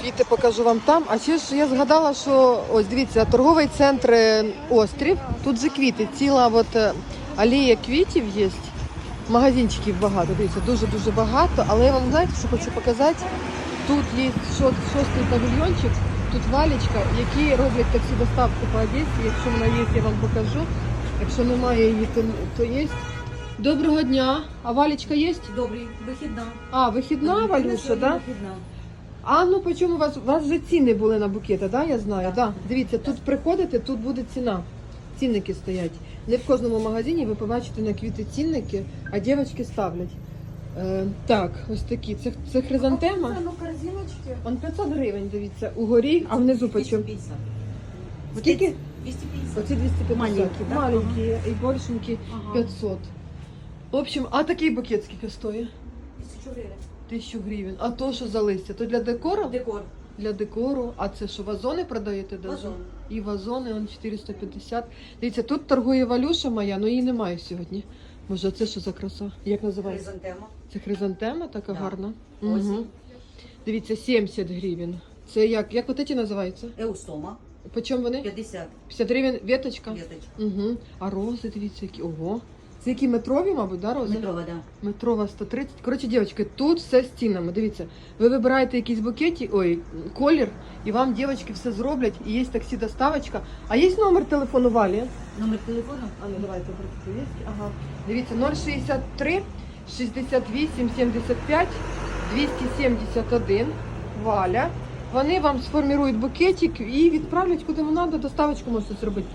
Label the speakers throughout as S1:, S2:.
S1: квіти покажу вам там. А ще ж я згадала, що ось дивіться, торговий центр Острів. Тут же квіти, ціла от алея квітів є. Магазинчиків багато, дивіться, дуже-дуже багато. Але я вам, знаєте, що хочу показати? Тут є шостий павільйончик, тут Валечка, які роблять таксі доставку по Одесі. Якщо вона є, я вам покажу. Якщо немає її, то є. Доброго дня. А Валечка є?
S2: Добрий, вихідна.
S1: А, вихідна, Валюша, так? Да?
S2: Вихідна.
S1: А ну по чому у вас вже ціни були на букети, да? Я знаю. Да. Дивіться, тут приходите, тут буде ціна. Цінники стоять. Не в кожному магазині ви побачите на квіти цінники, а дівчатки ставлять. Так, ось такі. Це хризантема.
S2: Ну, корзиночки.
S1: Он 500 гривень, дивіться, угорі, а внизу по чому?
S2: 250.
S1: Скільки?
S2: 250.
S1: Оці 250.
S2: Маленькі, да?
S1: Маленькі і большенькі
S2: Ага.
S1: 500. В общем, а такий букет скільки стоїть?
S2: 1000 гривень.
S1: 1000 гривень. А то, що за листя? То для декору?
S2: Декор.
S1: Для декору. А це що, вазони продаєте? Даже?
S2: Вазони.
S1: І вазони, он 450. Дивіться, тут торгує Валюша моя, але її немає сьогодні. Може, це що за краса? Як називається?
S2: Хризантема.
S1: Це хризантема така
S2: Да.
S1: гарна.
S2: Осінь.
S1: Угу. Дивіться, 70 гривень. Це як от ці називаються?
S2: Еустома.
S1: По чому вони?
S2: 50.
S1: 50 гривень веточка?
S2: Веточка.
S1: Угу. А рози, дивіться, які. Ого. Це які метрові, мабуть, да, рози?
S2: Метрова, да.
S1: Метрова 130. Коротше, дівчатки, тут все з цінами. Дивіться, ви вибираєте якісь букеті, колір, і вам дівчатки все зроблять. І є таксі доставочка. А є номер телефону Валі?
S2: Номер телефону?
S1: А ну давайте є. Ага. Дивіться, 063 68 75 271. Валя. Вони вам сформірують букетик і відправлять куди вам треба, доставочку можете зробити.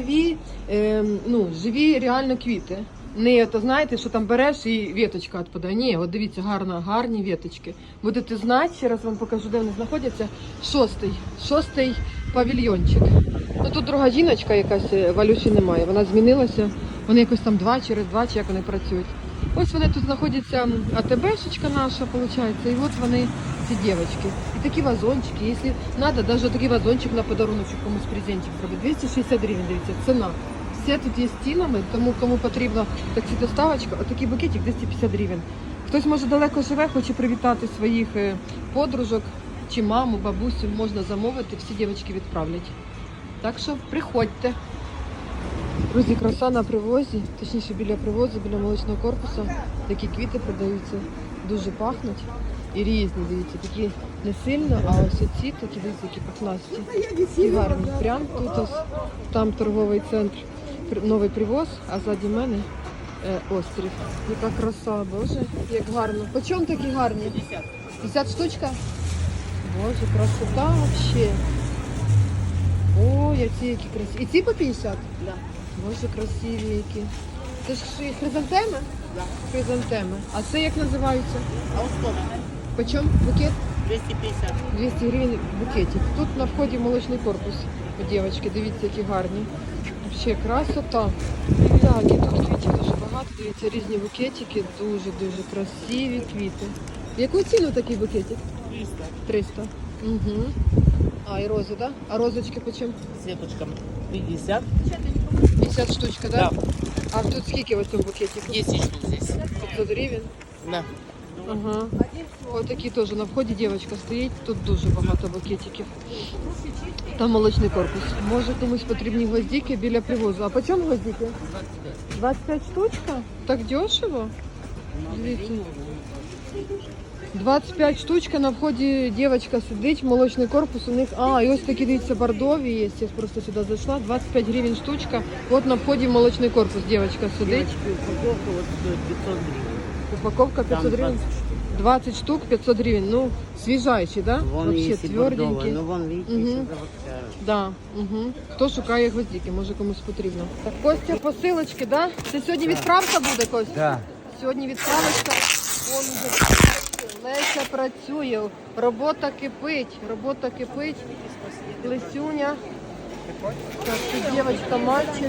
S1: Живі реально квіти. Не то знаєте, що там береш і віточка відпадає. Ні, от дивіться, гарні віточки. Будете знати, ще раз вам покажу, де вони знаходяться. Шостий павільйончик. Ну тут друга жіночка якась, Валюші немає. Вона змінилася. Вони якось там через два, чи як вони працюють. Ось вони тут знаходяться, АТБшечка наша, виходить, і от вони, ці дівчатки. І такі вазончики, якщо треба, навіть такий вазончик на подарунок комусь презентик зробити. 260 гривень, дивіться, ціна. Все тут є з цінами, тому кому потрібна таксі доставочка, отакий букетик 250 гривень. Хтось, може, далеко живе, хоче привітати своїх подружок, чи маму, бабусю, можна замовити, всі дівчатки відправлять. Так що приходьте. Друзі, краса на привозі, точніше біля привозу, біля молочного корпусу. Такі квіти продаються, дуже пахнуть і різні, дивіться, такі не сильно, а ось ці такі, дивіться, які пахнасті і гарні. Прямо тут ось, там торговий центр, новий привоз, а ззаді мене острів. Яка краса, боже, як гарно. По чому такі гарні? 50. 50 штучка? Боже, красота взагалі. Ой, а ці які красиві. І ці по 50?
S2: Да.
S1: Боже, красиві які. Це ж хризантеми?
S2: Да.
S1: Хризантеми. А це як називаються?
S2: Еустома.
S1: По чому букет?
S2: 250.
S1: 200 гривень букетик. Тут на вході молочний корпус у дівчатки. Дивіться, які гарні. Ще красота. Так, і тут квітів дуже багато. Дивіться, різні букетики. Дуже-дуже красиві квіти. Яку ціну такий букетик?
S2: 300.
S1: 300. Угу. А, і рози, так? Да? А розочки по чому?
S2: Сеточка 50.
S1: 50 штучка, так? Да? А тут скільки в цьому букетику?
S2: 10 штук здесь.
S1: 500 гривень.
S2: Да.
S1: Ага. Ось такі теж на вході дівчинка стоїть. Тут дуже багато букетиків. Там молочний корпус. Може комусь потрібні гвоздики біля привозу. А по чому гвоздики? 25 штучка? Так дешево? Дивіться. 25 штучка на вході дівчинка сидить, молочний корпус у них. А, і ось такі, дивіться, бордові є. Я просто сюди зайшла. 25 гривень штучка. От на вході молочний корпус дівчинка сидить.
S2: Упаковка вот стоит 500 гривен.
S1: Упаковка 500 гривень. 20 штук 500 гривень. Ну, свіжайші, да?
S2: Вон
S1: Вообще
S2: есть и бордовая,
S1: тверденькі.
S2: но вон, видите,
S1: Мгм.
S2: еще заводская.
S1: Да. Угу. Хто шукає гвоздики, може комусь потрібно. Так, Костя, посилочки, да? Це сьогодні відправка буде, Костя?
S3: Да.
S1: Сьогодні відправочка. Вон вже Леся працює. Робота кипить. Лесюня. Так, тут дівчинка, мальчик.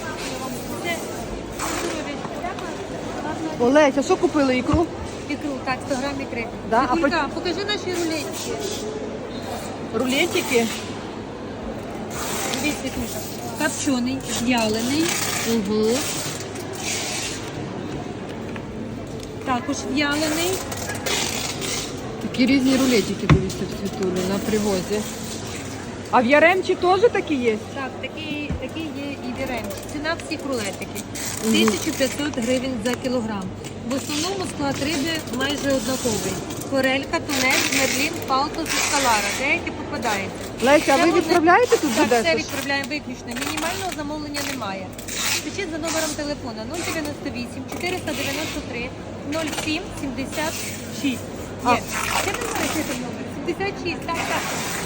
S1: Олеся, що купили ікру?
S4: Ікру, так, 100 грам ікри.
S1: Да, а
S4: Вікулька, покажи наші рулетики.
S1: Рулетики.
S4: Дивіться, Вікулька. Копчений, в'ялений,
S1: Угу.
S4: також в'ялений.
S1: Такі різні рулетики, дивіться, в Світулі на привозі. А в Яремчі теж такі є?
S4: Так, такі є і віремчі. Ціна всіх рулетиків. 1500 гривень за кілограм. В основному склад риби майже однаковий. Форелька, тунець, мерлін, палтус і скалара. Деякі попадаються.
S1: Леся, а
S4: Це
S1: ви
S4: вони-
S1: відправляєте тут в
S4: Так, все
S1: Одесу?
S4: відправляємо виключно. Мінімального замовлення немає. Пишіть за номером телефона 098 493 07 76.
S1: А.
S4: Є. Це не знаю, який там номер. 76, так, так.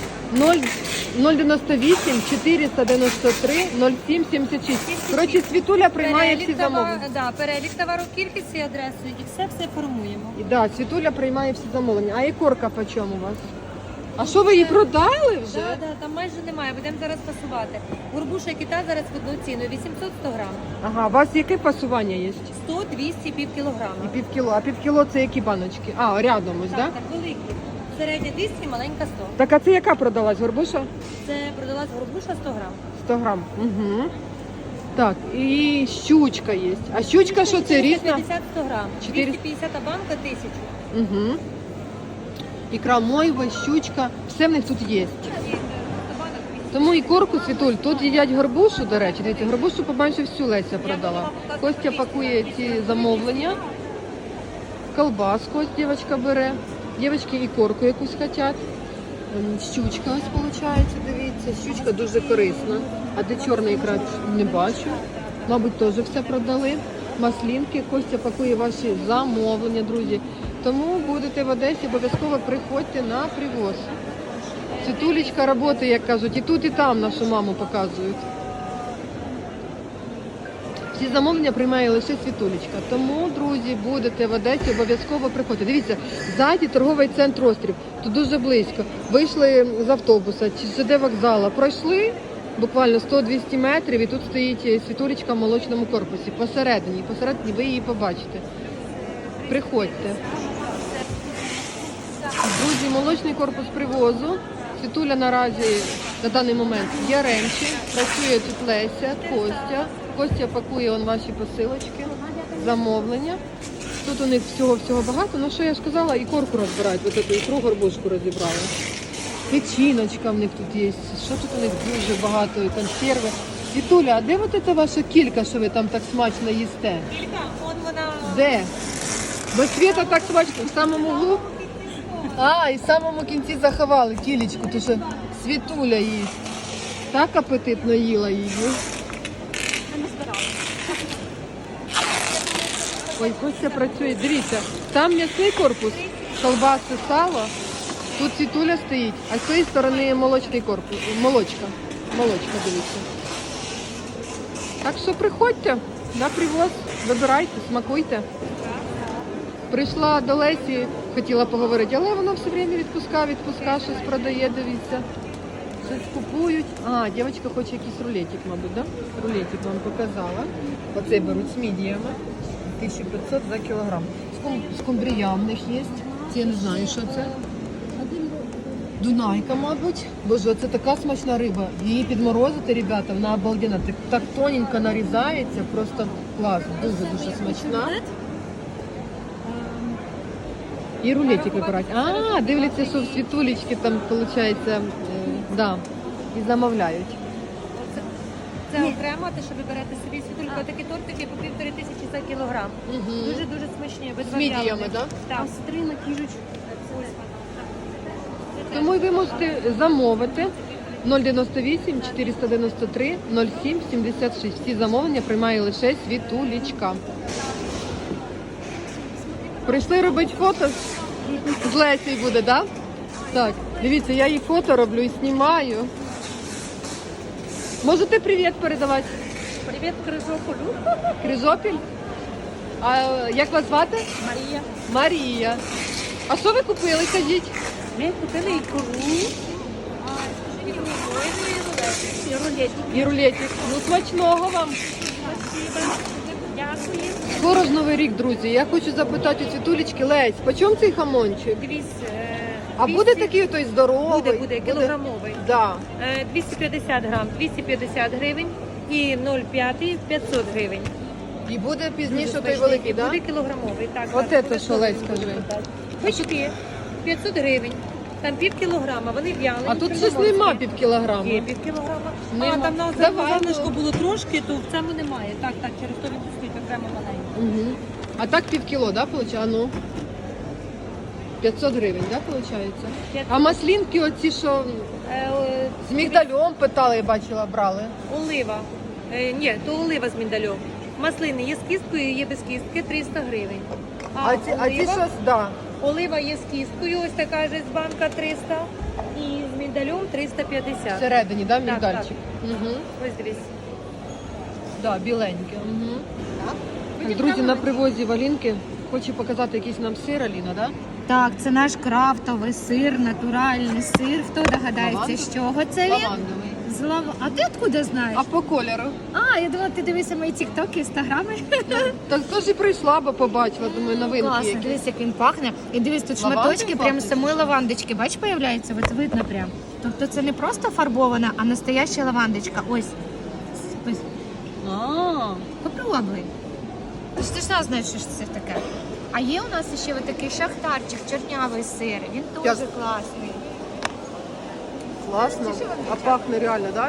S1: 098 493 07 76. Коротше, Світуля приймає всі замовлення.
S4: Перелік товару, кількість і адресу, і все формуємо.
S1: І да, Світуля приймає всі замовлення. А ікорка по чому у вас? А що ви її продали вже?
S4: Там майже немає, будемо зараз пасувати. Горбуша і кита зараз в одну ціну, 800-100 грам.
S1: Ага, у вас яке пасування є?
S4: 100, 200, пів кілограма.
S1: І півкіло. А півкіло це які баночки? А, рядом ось,
S4: Так,
S1: да?
S4: так, великі. Середня 200, маленька 100.
S1: Так, а це яка продалась горбуша?
S4: Це продалась горбуша 100 грам.
S1: 100 грам. Угу. Так, і щучка є. А щучка що це різна?
S4: 50-100 грам.
S1: 400.
S4: 250, а банка 1000.
S1: Угу. Ікра мойва, щучка, все в них тут є. Тому і корку, Світуль, тут їдять горбушу, до речі, дивіться, горбушу побачив всю Леся продала. Костя пакує ці замовлення, колбаску ось дівчинка бере, дівчатки і корку якусь хочуть. Щучка ось виходить, дивіться, щучка дуже корисна. А де чорна ікра, не бачу. Мабуть, теж все продали. Маслінки, Костя пакує ваші замовлення, друзі. Тому будете в Одесі, обов'язково приходьте на привоз. Світулечка працює, як кажуть, і тут, і там нашу маму показують. Всі замовлення приймає лише Світулечка. Тому, друзі, будете в Одесі, обов'язково приходьте. Дивіться, ззаді торговий центр Острів. Тут дуже близько. Вийшли з автобуса, чи ЖД вокзала, пройшли буквально 100-200 метрів, і тут стоїть Світулечка в молочному корпусі. Посередині ви її побачите. Приходьте. Друзі, молочний корпус привозу. Світуля наразі на даний момент в Яремчі. Працює тут Леся, Костя. Костя пакує ваші посилочки, замовлення. Тут у них всього багато. Ну що я ж казала, і корку розбирають. Ось цю ікру горбушку розібрали. Печіночка в них тут є. Що тут у них дуже багато, і консерви. Світуля, а де от ця ваша кілька, що ви там так смачно їсте?
S4: Кілька, от вона.
S1: Де? Бо Світа так смачно, в самому углу. А, і в самому кінці заховали кілечку, тому що Світуля їсть. Так апетитно їла її. Ой, Костя працює. Дивіться, там м'ясний корпус, колбаси, сало. Тут Світуля стоїть, а з цієї сторони молочний корпус. Молочка, дивіться. Так що приходьте на привоз, вибирайте, смакуйте. Прийшла до Лесі, хотіла поговорити, але вона все время відпуска, щось продає, дивіться. Щось купують. А, дівчинка хоче якийсь рулетик, мабуть, да? Рулетик вам показала. Оцей беруть з мідіями. 1500 за кілограм. Скумбрія в них є. Це я не знаю, що це. Дунайка, мабуть. Боже, це така смачна риба. Її підморозити, ребята, вона обалденна. Так тоненько нарізається, просто клас. Дуже смачна. І рулетик вибирають. А, дивляться, що в Світулечки там, виходить, да, і замовляють.
S4: Це окремо, те, що ви берете собі Світулька, такі тортики по 1500 за кілограм. Дуже смачні, без
S1: З мідіями, так?
S4: Так.
S3: Стрина, кіжечка.
S1: Тому і ви можете замовити 098 493 07 76. Всі замовлення приймає лише Світулечка. Прийшли робити фото з Лесею буде, так? Так, дивіться, я їй фото роблю і знімаю. Можете привіт передавати?
S4: Привіт, Крижополю.
S1: Крижопіль? А як вас звати?
S4: Марія.
S1: Марія. А що ви купили, кажіть?
S4: Ми купили ікру. І рулетик.
S1: І рулетик. Ну, смачного вам.
S4: Дякую.
S1: Скоро ж Новий рік, друзі. Я хочу запитати у Світулечки, Лесь, по чому цей хамончик?
S4: Дивіться.
S1: А буде такий той здоровий?
S4: Буде, кілограмовий.
S1: Да.
S4: 250 грам, 250 гривень і 0,5 500 гривень.
S1: І буде пізніше той
S4: Смачний.
S1: великий,
S4: І
S1: так?
S4: буде
S1: Да?
S4: кілограмовий, так.
S1: От
S4: так,
S1: це що, Лесь, скажи.
S4: Бички. 500 гривень. Там пів кілограма, вони в'яли.
S1: А тут
S4: нічого
S1: щось
S4: не
S1: нема
S4: можуть.
S1: пів кілограма.
S4: Є пів кілограма.
S1: Нема.
S4: А, там на
S1: Давай,
S4: залишку
S1: ну.
S4: було трошки, то в цьому немає. Так, через то він стоїть окремо маленький.
S1: Угу. А так пів кіло, да, виходить? А ну. 500 гривень, да, виходить?
S4: 500.
S1: А маслінки оці, що з мігдальом питали, я бачила, брали.
S4: Олива. Ні, то олива з міндальом. Маслини є з кісткою, є без кістки, 300 гривень.
S1: А ці щось, да.
S4: Олива є з кісткою, ось така ж з банка 300. І з міндалем 350.
S1: Всередині, да,
S4: Так,
S1: мігдальчик? Угу.
S4: Ось дивись.
S1: Да, біленьке. Угу.
S4: Так.
S1: Друзі, на привозі Валінки хочу показати якийсь нам сир, Аліна, да?
S3: Так, це наш крафтовий сир, натуральний сир. Хто догадається,
S1: Лавандовий?
S3: з чого це він?
S1: Лавандовий.
S3: З А ти откуда знаєш?
S1: А по кольору?
S3: Я думала, ти дивишся мої тіктоки, інстаграми.
S1: Так теж і прийшла, бо побачила, думаю, новинки
S3: Класно,
S1: які.
S3: дивись, як він пахне. І дивись, тут
S1: Лавандою
S3: шматочки прямо
S1: пахне?
S3: з самої лавандочки. Бач, появляється, от видно прям. Тобто це не просто фарбована, а настояща лавандочка. Ось. Ось. Попробуй. Ти ж точно знаєш, що це таке. А є у нас ще ось такий шахтарчик, чорнявий сир. Він
S1: Я-
S3: дуже класний.
S1: Класно.
S3: Це що вам
S1: А пахне реально, да?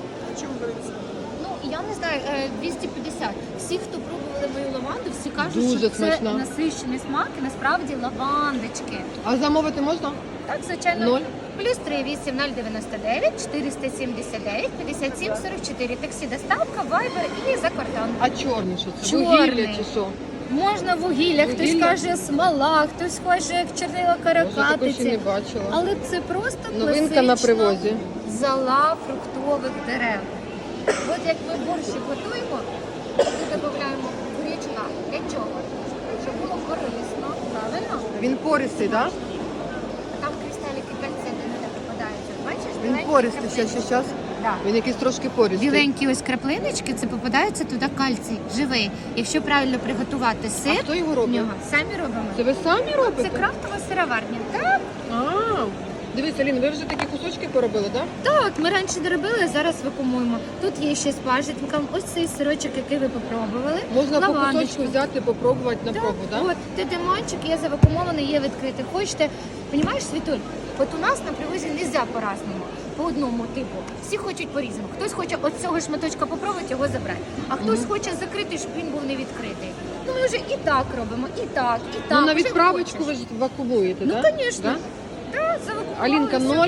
S3: Ну, я не знаю, 250. Всі, хто пробували мою лаванду, всі кажуть,
S1: Дуже
S3: що це
S1: смачна.
S3: насичений смак і насправді лавандочки.
S1: А замовити можна?
S3: Так, звичайно.
S1: Ноль.
S3: Плюс 38 099 479 57 44. Таксі доставка, вайбер і за кордон.
S1: А чорний що це?
S3: Чорний.
S1: Вугілля чи що?
S3: Можна вугілля, хтось
S1: Вугілля?
S3: каже смола, хтось хоче як чорнила
S1: Може, такого ще не
S3: каракатиці.
S1: бачила.
S3: Але це просто
S1: Новинка на
S3: класична
S1: привозі.
S3: зола фруктових дерев. От як ми борщик готуємо, ми додаємо гречка. Для чого? Щоб було корисно, правильно?
S1: Він пористий, так? Да?
S3: А там кристаліки кальцину не попадаються. Бачиш?
S1: Він
S3: біленькі
S1: пористий,
S3: краплинки.
S1: зараз.
S3: Да.
S1: Він якийсь трошки пористий.
S3: Біленькі ось краплиночки, це попадається туди кальцій, живий. Якщо правильно приготувати
S1: А
S3: сир,
S1: хто його
S3: в
S1: робить?
S3: нього самі робимо.
S1: Це ви самі
S3: Це
S1: робите?
S3: крафтова сироварня. Так,
S1: А, дивіться, Аліна, ви вже такі кусочки поробили, так?
S3: так, ми раніше не робили, а зараз вакуумуємо. Тут є ще з пажитником. Ось цей сирочок, який ви попробували.
S1: Можна по
S3: Лавандочку.
S1: кусочку взяти, попробувати на
S3: Так,
S1: пробу, так?
S3: От, ти демончик, є завакумований, є відкритий. Хочете, розумієш, Світуль, от у нас на привозі не можна по-разному, по одному типу. Всі хочуть по-різному. Хтось хоче от цього шматочка попробувати, його забрати. А хтось хоче закритий, щоб він був не відкритий. Ну ми вже і так робимо, і так, і так.
S1: Ну, на
S3: вже
S1: відправочку
S3: хочеш.
S1: ви ж вакуумуєте,
S3: Ну,
S1: так?
S3: звісно. Так, завакумували.
S1: Алінка 0.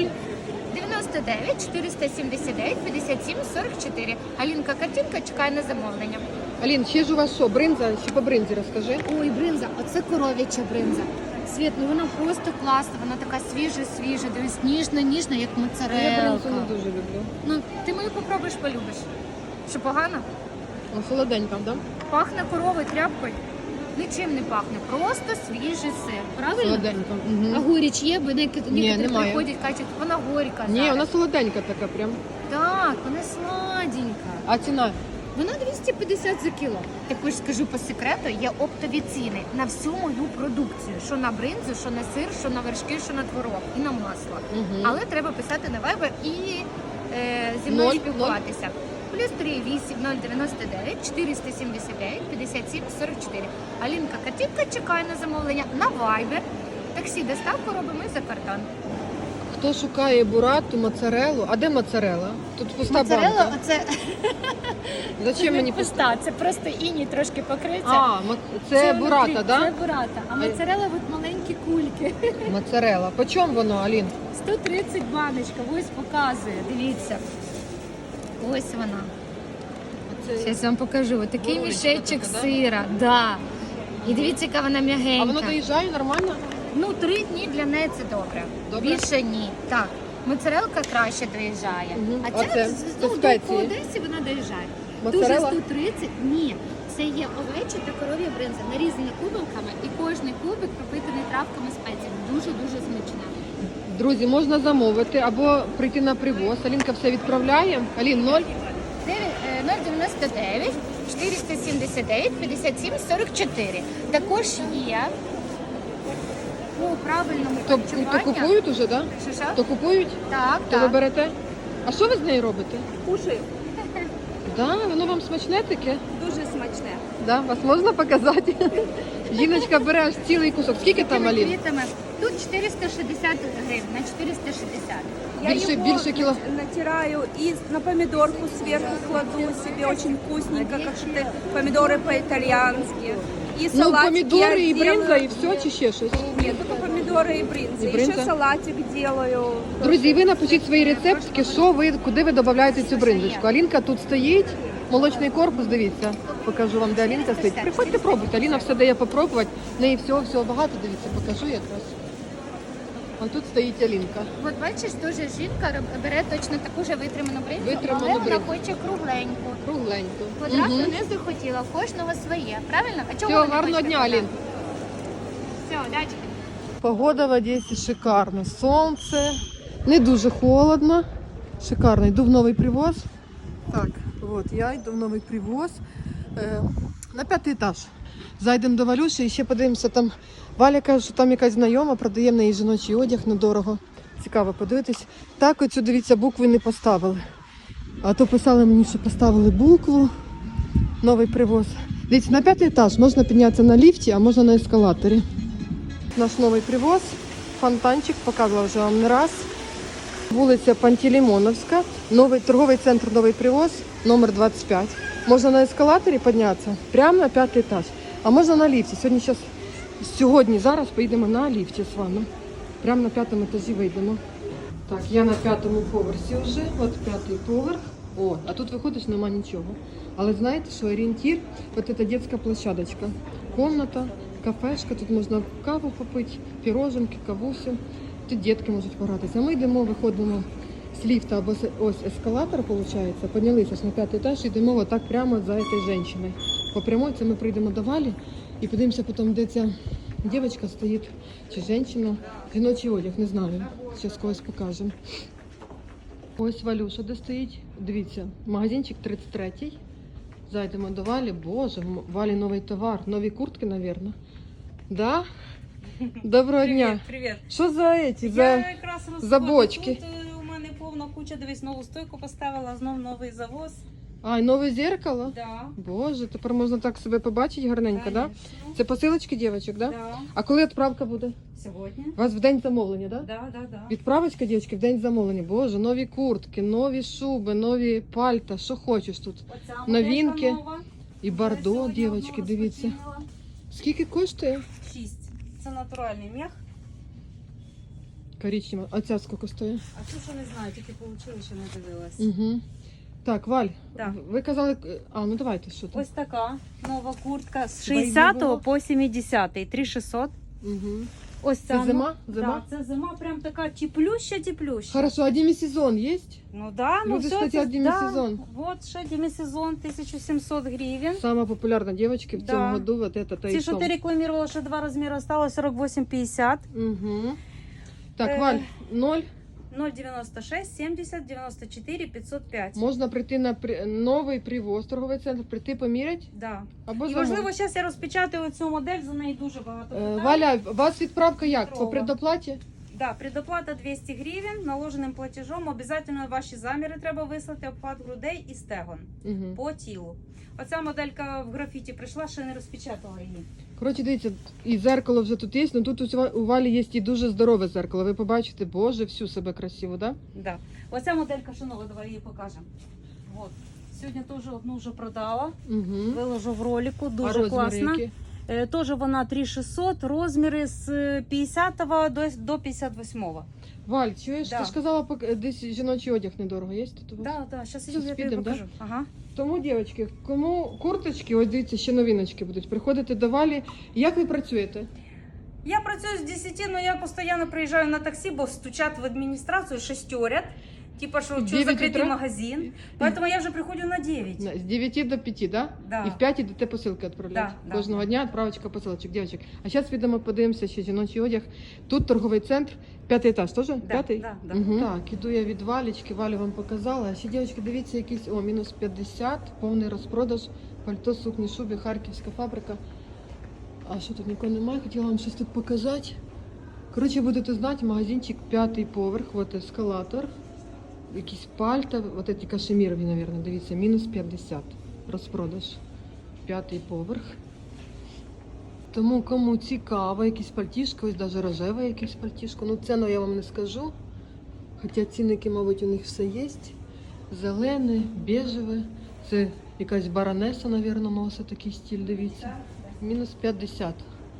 S3: 99 479 57 44. Алінка картинка чекає на замовлення.
S1: Алін, ще ж у вас що, бринза? Ще по бринзі розкажи.
S3: Ой, бринза, оце коров'яча бринза. Світ, ну вона просто класна, вона така свіжа, дивись, ніжна, як
S1: Я
S3: моцарелка.
S1: бринзу не дуже люблю.
S3: Ну, ти мою попробуєш, полюбиш. Що погано?
S1: Ну, солоденька, так?
S3: Пахне коровою, тряпкою. Нічим не пахне, просто свіжий сир. Правильно?
S1: Солоденька.
S3: А
S1: Угу.
S3: горіч є, бо некоторі
S1: немає.
S3: приходять, кажуть, вона горька.
S1: Ні,
S3: зараз.
S1: вона солоденька така прям.
S3: Так, вона сладенька.
S1: А ціна?
S3: Вона 250 за кіло. Також скажу по секрету, є оптові ціни на всю мою продукцію. Що на бринзу, що на сир, що на вершки, що на творог і на масло.
S1: Угу.
S3: Але треба писати на Viber і зі мною
S1: 0,
S3: спілкуватися. Плюс 38 099 479 57 44. Алінка Катівка чекає на замовлення на Viber. Таксі доставку робимо за кордон.
S1: Хто шукає бурату, моцарелу? А де моцарела? Тут пуста
S3: Моцарелла,
S1: банка.
S3: оце
S1: Зачем мені пуста?
S3: пуста, це просто іні трошки покриється.
S1: А, це бурата,
S3: внутрі,
S1: так?
S3: Це бурата. А моцарелла от маленькі кульки.
S1: Моцарела. По чому воно, Алін?
S3: 130 баночка, ось показує, дивіться. Ось вона. Зараз вам покажу. Ось такий
S1: Горошка
S3: мішечок
S1: така, да?
S3: сира. Да. І дивіться, яка вона м'ягенька.
S1: А воно доїжджає нормально?
S3: Ну, 3 дні для неї це добре.
S1: Добре?
S3: Більше ні. Так. Моцарелка краще доїжджає.
S1: Мгм.
S3: А це,
S1: Оце,
S3: ну,
S1: це
S3: по
S1: спеції.
S3: Одесі вона доїжджає.
S1: Моцарелла?
S3: Дуже 130? Ні. Це є овеча та коров'я бринза, нарізані кубиками, і кожний кубик пропитаний травками спеціями. Дуже-дуже смачна.
S1: Друзі, можна замовити або прийти на привоз. Алінка все відправляє. Алін, 0.
S3: 099 479 57 44. Також є по правильному
S1: То
S3: харчуванню.
S1: купують уже, так?
S3: Що-що?
S1: То купують?
S3: Так,
S1: То ви
S3: так.
S1: берете? А що ви з нею робите?
S4: Кушаю.
S1: Да, воно вам смачне таке?
S4: Дуже смачне.
S1: Да, вас можна показати? Жіночка бере аж цілий кусок. Скільки там, Алін?
S3: Квітами. Тут 460 гривень, на 460.
S1: Більше кіло.
S5: Натираю и на помидорку сверху кладу себе, очень вкусненько, как что помидоры по-итальянски. И
S1: Ну,
S5: салатик
S1: помідори
S5: я
S1: і бринза,
S5: делаю.
S1: і все, чи ще щось?
S5: Нет, только помидоры и брынза.
S1: И брынза?
S5: Еще салатик делаю.
S1: Друзі, ви напишіть свої рецептики, що ви, куди ви додаєте цю бринзочку. Алінка тут стоїть, молочний корпус, дивіться, покажу вам, де Алінка стоїть. Приходьте, пробуйте, Аліна все дає попробувати, в неї всього багато, дивіться, покажу якраз. Ось тут стоїть Алінка.
S3: От бачиш, дуже жінка бере точно таку ж витриману бринзу,
S1: Витриману
S3: але вона
S1: бринзу.
S3: хоче кругленьку.
S1: Кругленько.
S3: Одразу
S1: Мгм.
S3: не захотіла, в кожного своє, правильно? А чого
S1: Всього
S3: ви не
S1: гарного
S3: хочете
S1: дня,
S3: казати?
S1: Алін.
S3: Все, удачі.
S1: Погода в Одесі шикарна. Сонце, не дуже холодно. Шикарно. Йду в новий привоз. Так, от я йду в новий привоз. На 5-й етаж. Зайдемо до Валюші і ще подивимося там. Валя каже, що там якась знайома, продає в неї жіночий одяг недорого. Цікаво подивитись. Так, оцю, дивіться, букви не поставили. А то писали мені, що поставили букву. Новий привоз. Дивіться, на 5-й етаж можна піднятися на ліфті, а можна на ескалаторі. Наш новий привоз, фонтанчик, показувала вже вам не раз. Вулиця Пантелеймоновська, новий торговий центр Новий Привоз, номер 25. Можна на ескалаторі піднятися прямо на 5-й етаж, а можна на ліфті. Зараз поїдемо на ліфті з вами. Прямо на 5-му етажі вийдемо. Так, я на 5-му поверсі вже, от 5-й поверх. О, а тут виходиш, нема нічого. Але знаєте, що орієнтир, от ця дитяча площадочка, комната, кафешка, тут можна каву попити, піроженки, кавусю. Тут дітки можуть погратися. А ми йдемо, виходимо з ліфта або ось ескалатор, виходить, піднялися ж на 5-й етаж і йдемо отак прямо за цією жінкою. По прямой це ми прийдемо до Валі і подивимося потім, де ця дівчинка стоїть, чи жінка, жіночий одяг, не знаю. Зараз когось покажемо. Ось Валюша де стоїть. Дивіться, магазинчик 33-й. Зайдемо до Валі. Боже, в Валі новий товар. Нові куртки, мабуть. Да? Доброго дня.
S6: Привіт.
S1: Що за ці?
S6: Я
S1: За...
S6: якраз
S1: за бочки.
S6: Тут у мене повна куча, дивись, нову стойку поставила, знов новий завоз.
S1: А, і нове зеркало?
S6: Да.
S1: Боже, тепер можна так себе побачити гарненько, так? Да?
S6: Конечно.
S1: Це посилочки дівчаток, да?
S6: Да.
S1: А коли відправка буде?
S6: Сьогодні.
S1: У вас в день замовлення, да?
S6: Да.
S1: Відправочка, дівчатки, в день замовлення. Боже, нові куртки, нові шуби, нові пальта, що хочеш тут.
S6: Оця
S1: Новинки.
S6: моделька нова.
S1: І
S6: Я
S1: бардо,
S6: сьогодні
S1: дівчатки,
S6: одну
S1: дивіться.
S6: розпочинила.
S1: Скільки коштує?
S6: 6. Це натуральний м'ях.
S1: Коричнева. А ця скільки стоїть?
S6: А цю що не знаю, тільки отримала, ще не дивилась.
S1: Угу. Так, Валь,
S6: Так.
S1: ви казали, ну давайте, що там?
S6: Ось така нова куртка з
S1: Щоб її не
S6: 60
S1: було.
S6: по 70, 3600.
S1: Угу.
S6: Ось
S1: Це
S6: ця.
S1: зима?
S6: Да,
S1: Зима?
S6: це зима прям така теплюща.
S1: Хорошо, а демисезон есть?
S6: Ну да, ну
S1: Люди
S6: все
S1: ж хотят демисезон.
S6: Да. Вот ще демисезон 1700 гривен.
S1: Самая популярная девочки в
S6: Да.
S1: цьому году вот это то
S6: Ці,
S1: и
S6: що ти рекламувала, що два розміри осталось 48,50.
S1: Угу. Так,
S6: Е.
S1: Валь, 0.
S6: 0,96, 70, 94, 505.
S1: Можна прийти на новий привоз, торговий центр, прийти поміряти
S6: Да.
S1: або
S6: І
S1: замовити.
S6: важливо, зараз я розпечатаю цю модель, за неї дуже багато питань.
S1: Валя, у вас відправка як? По
S6: Петрова.
S1: предоплаті?
S6: Да, предоплата 200 гривень, наложеним платежом. Обов'язково ваші заміри треба вислати, обхват грудей і стегон
S1: Угу.
S6: по тілу. Оця моделька в графіті прийшла, ще не розпечатала її.
S1: Коротше, дивіться, і зеркало вже тут є, але тут у Валі є і дуже здорове зеркало. Ви побачите, боже, всю себе красиво, да?
S6: Да. Оця моделька шанова, давай її покажемо. Вот. Сьогодні теж одну вже продала,
S1: Угу.
S6: виложу в ролику,
S1: А
S6: дуже
S1: розміри
S6: класна.
S1: які?
S6: Теж вона 3600, розміри з 50 до 58.
S1: Валь, чуєш,
S6: Да.
S1: ти ж казала, десь жіночий одяг недорого є тут у вас?
S6: Да, зараз я тобі
S1: підемо,
S6: покажу. Ага.
S1: Тому, дівчатки, кому курточки, ось дивіться, ще новиночки будуть. Приходите до Валі. Як ви працюєте?
S6: Я працюю з 10, але я постійно приїжджаю на таксі, бо стучать в адміністрацію, шестерят. Типа, що
S1: 9
S6: закритий
S1: утра?
S6: магазин. Поэтому я вже приходжу на 9.
S1: З 9 до 5, да?
S6: Да.
S1: І в 5 йдете посилки відправляти.
S6: Да,
S1: Кожного
S6: да.
S1: дня відправочка посилочок, дівчаток. А зараз підемо подивимося ще жіночий одяг. Тут торговий центр, 5-й етаж, теж? П'ятий?
S6: да.
S1: Угу. Так, іду я від Валічки, Валю вам показала. А ще, дівчатки, дивіться, якийсь, мінус 50, повний розпродаж, пальто, сукні, шуби, харківська фабрика. А що тут нікого немає, хотіла вам щось тут показати. Коротше, будете знати, магазинчик 5-й поверх, от ескалатор. Якісь пальта, от ці кашемірові, мабуть, дивіться, мінус 50 розпродаж. 5-й поверх. Тому кому цікаво, якісь пальтішко, ось навіть рожеве якесь пальтішко. Ну ціну я вам не скажу. Хоча цінники, мабуть, у них все є. Зелене, бежеве. Це якась баронеса, мабуть, носить такий стиль, дивіться. Мінус 50.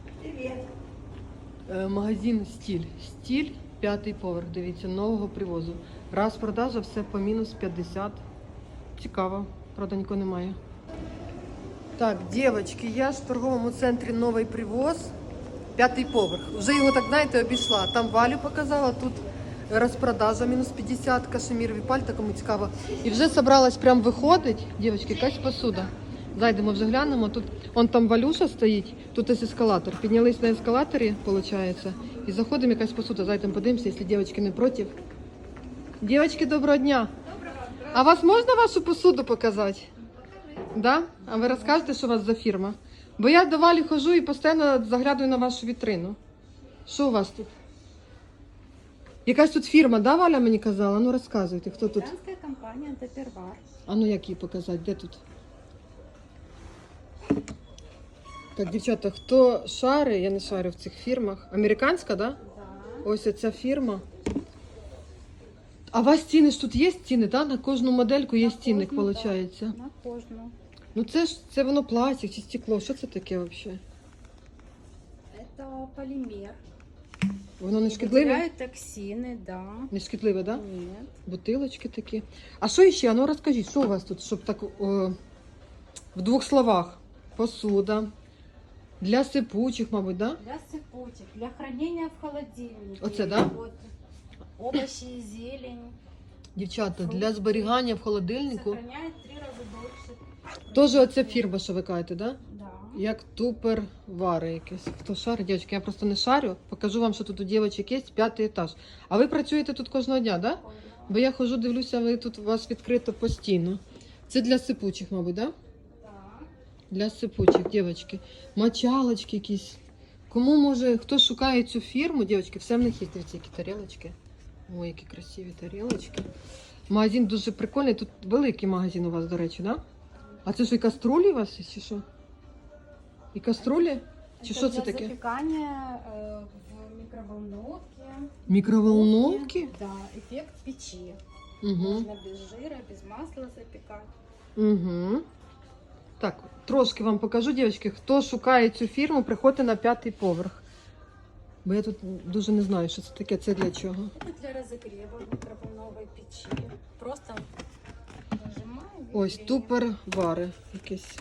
S1: Магазин «Стиль». «Стиль», 5-й поверх, дивіться, нового привозу. Раз продажа, все по мінус 50. Цікаво, правда, нікого немає. Так, дівчатки, я ж в торговому центрі «Новий привоз», 5-й поверх. Вже його, так знаєте, обійшла. Там Валю показала, тут розпродажа, мінус 50, кашемірові пальта, кому цікаво. І вже собралась прям виходить, дівчатки, якась посуда. Зайдемо, вже глянемо. Тут, он там Валюша стоїть, тут ось ескалатор. Піднялись на ескалаторі, виходить, і заходимо, якась посуда. Зайдемо, подивимося, якщо дівчатки не проти. Дівчатки, доброго дня. А вас можна вашу посуду показати? Да? А ви розкажете, що у вас за фірма? Бо я до Валі ходжу і постійно заглядаю на вашу вітрину. Що у вас тут? Якась тут фірма, да, Валя мені казала? Ну розказуйте, хто тут?
S7: Итальянская компания Тапервар.
S1: А ну як її показати? Де тут? Так, дівчата, хто шари, я не шарю в цих фірмах. Американська, да?
S7: Да.
S1: Ось ця фірма. А у вас ціни ж тут є ціни, да? На кожну модельку є цінник,
S7: кожну,
S1: виходить?
S7: На кожну.
S1: Ну це воно пластик чи стекло, що це таке взагалі?
S7: Это полимер.
S1: Воно не шкідливе?
S7: Выделяет токсины, да.
S1: Не шкідливе, да?
S7: Нет.
S1: Бутилочки такі. А що ще? А ну розкажіть, що у вас тут, щоб так в двох словах? Посуда. Для сипучих, мабуть, да?
S7: Для сыпучих, для хранения в холодильнике.
S1: Оце, да?
S7: Вот, овощи и зелень.
S1: Дівчата, для зберігання в холодильнику.
S7: Сохраняет 3 раза дольше.
S1: Теж оця фірма, що ви кажете, да?
S7: Да.
S1: Як тупер вари якесь. Хто шарить, дівчатки, я просто не шарю. Покажу вам, що тут у дівчаток є, 5-й етаж. А ви працюєте тут кожного дня, да? Бо я ходжу, дивлюся, ви тут у вас відкрито постійно. Це для сипучих, мабуть, да?
S7: Да.
S1: Для сипучих, дівчатки. Мочалочки якісь. Кому може, хто шукає цю фірму, дівчатки, все в них є, дивіться, які тарілочки. Ой, які красиві тарілочки. Магазин дуже прикольний. Тут великий магазин у вас, до речі, да? А це що, і каструлі у вас є, чи що? І каструлі? Чи
S7: Это
S1: що це
S7: для
S1: таке?
S7: запекания в микроволновке.
S1: Мікроволновки?
S7: Да, эффект печи.
S1: Угу.
S7: Можно без жира, без масла запекать.
S1: Угу. Так, трошки вам покажу, дівчатки, хто шукає цю фірму, приходьте на 5-й поверх. Бо я тут дуже не знаю, що це таке, це для чого.
S7: Это для разогрева микроволновой печи. Просто нажимаем. и
S1: Ось
S7: греем.
S1: тупер вари якийсь.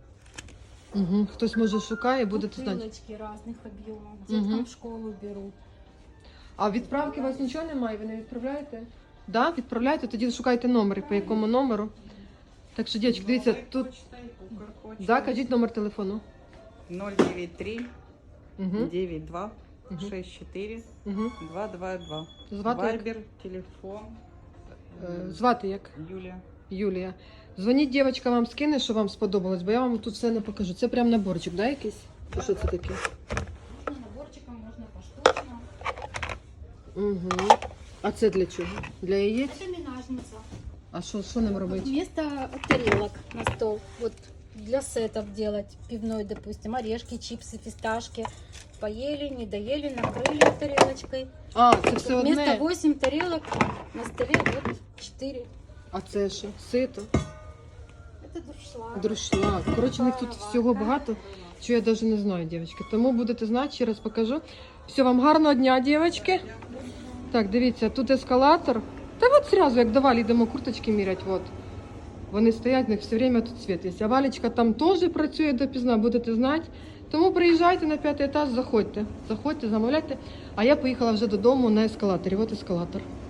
S1: Угу. Хтось може шукає, будете знати.
S7: Бутылочки разных объемов. Деткам
S1: Мгм.
S7: в школу берут.
S1: А відправки у вас нічого немає, ви не відправляєте? Да, відправляєте, тоді шукайте номери, по якому номеру. Так що, дівчатки, дивіться, тут... Да, кажіть номер телефону.
S8: 093
S1: Угу.
S8: 92
S1: Мгм.
S8: 64
S1: Угу.
S8: 222.
S1: Звати як?
S8: Вайбер, телефон.
S1: Звати як?
S8: Юлія.
S1: Юлія. Дзвоніть, дівчатка вам скине, що вам сподобалось, бо я вам тут все не покажу. Це прям наборчик, да, якийсь? Чи що це таке?
S7: Можно наборчиком, можно поштучно.
S1: Угу. А це для чого? Для яєць?
S7: Это минажница.
S1: А що ним робити?
S7: Вместо тарелок на стол. Вот для сетов делать. Пивной, допустим, орешки, чипсы, фисташки. Поели, не доели, накрыли тарелочкой.
S1: А, це все
S7: Вместо
S1: одне.
S7: 8 тарелок на столе вот 4.
S1: А це що? Сито?
S7: Это дуршлаг.
S1: Друшлаг. Коротше, у них тут всього багато, що я навіть не знаю, дівчатки. Тому будете знати, ще раз покажу. Все, вам гарного дня, дівчатки. Так, дивіться, тут ескалатор. Та от зразу, як до Валі йдемо курточки мірять, от. Вони стоять, в них все время тут світ є. А Валечка там теж працює допізна, будете знати. Тому приїжджайте на 5-й етаж, заходьте. Заходьте, замовляйте. А я поїхала вже додому на ескалаторі. От ескалатор.